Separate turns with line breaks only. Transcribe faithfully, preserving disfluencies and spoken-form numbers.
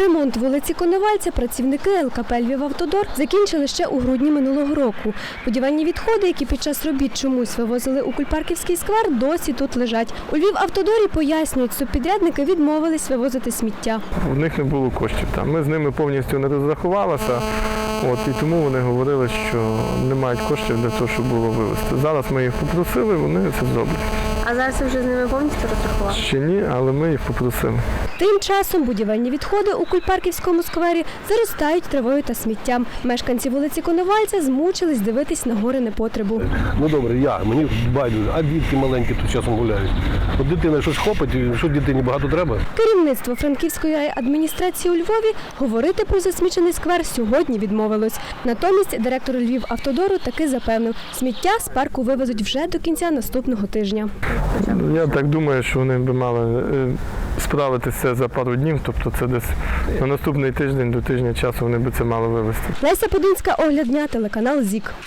Ремонт вулиці Коновальця працівники ел ка пе «Львівавтодор» закінчили ще у грудні минулого року. Будівельні відходи, які під час робіт чомусь вивозили у Кульпарківський сквер, досі тут лежать. У «Львівавтодорі» пояснюють, субпідрядники відмовились вивозити сміття.
У них не було коштів там. Ми з ними повністю не розрахувалися, от, і тому вони говорили, що не мають коштів для того, щоб було вивезти. Зараз ми їх попросили, вони це зроблять.
А зараз ви вже з ними повністю розрахували?
Ще ні, але ми їх попросили.
Тим часом будівельні відходи у Кульпарківському сквері заростають травою та сміттям. Мешканці вулиці Коновальця змучились дивитись на гори непотребу.
Ну добре, я, мені байдуже, а дітки маленькі тут часом гуляють. От дитина щось хопить, що дитині багато треба.
Керівництво Франківської райадміністрації у Львові говорити про засмічений сквер сьогодні відмовилось. Натомість директор «Львівавтодору» таки запевнив, сміття з парку вивезуть вже до кінця наступного тижня.
Я так думаю, що вони б мали справитися за пару днів, тобто це десь на наступний тиждень, до тижня часу вони б це мали вивезти.
Леся Подинська, огляд дня, телеканал ЗІК.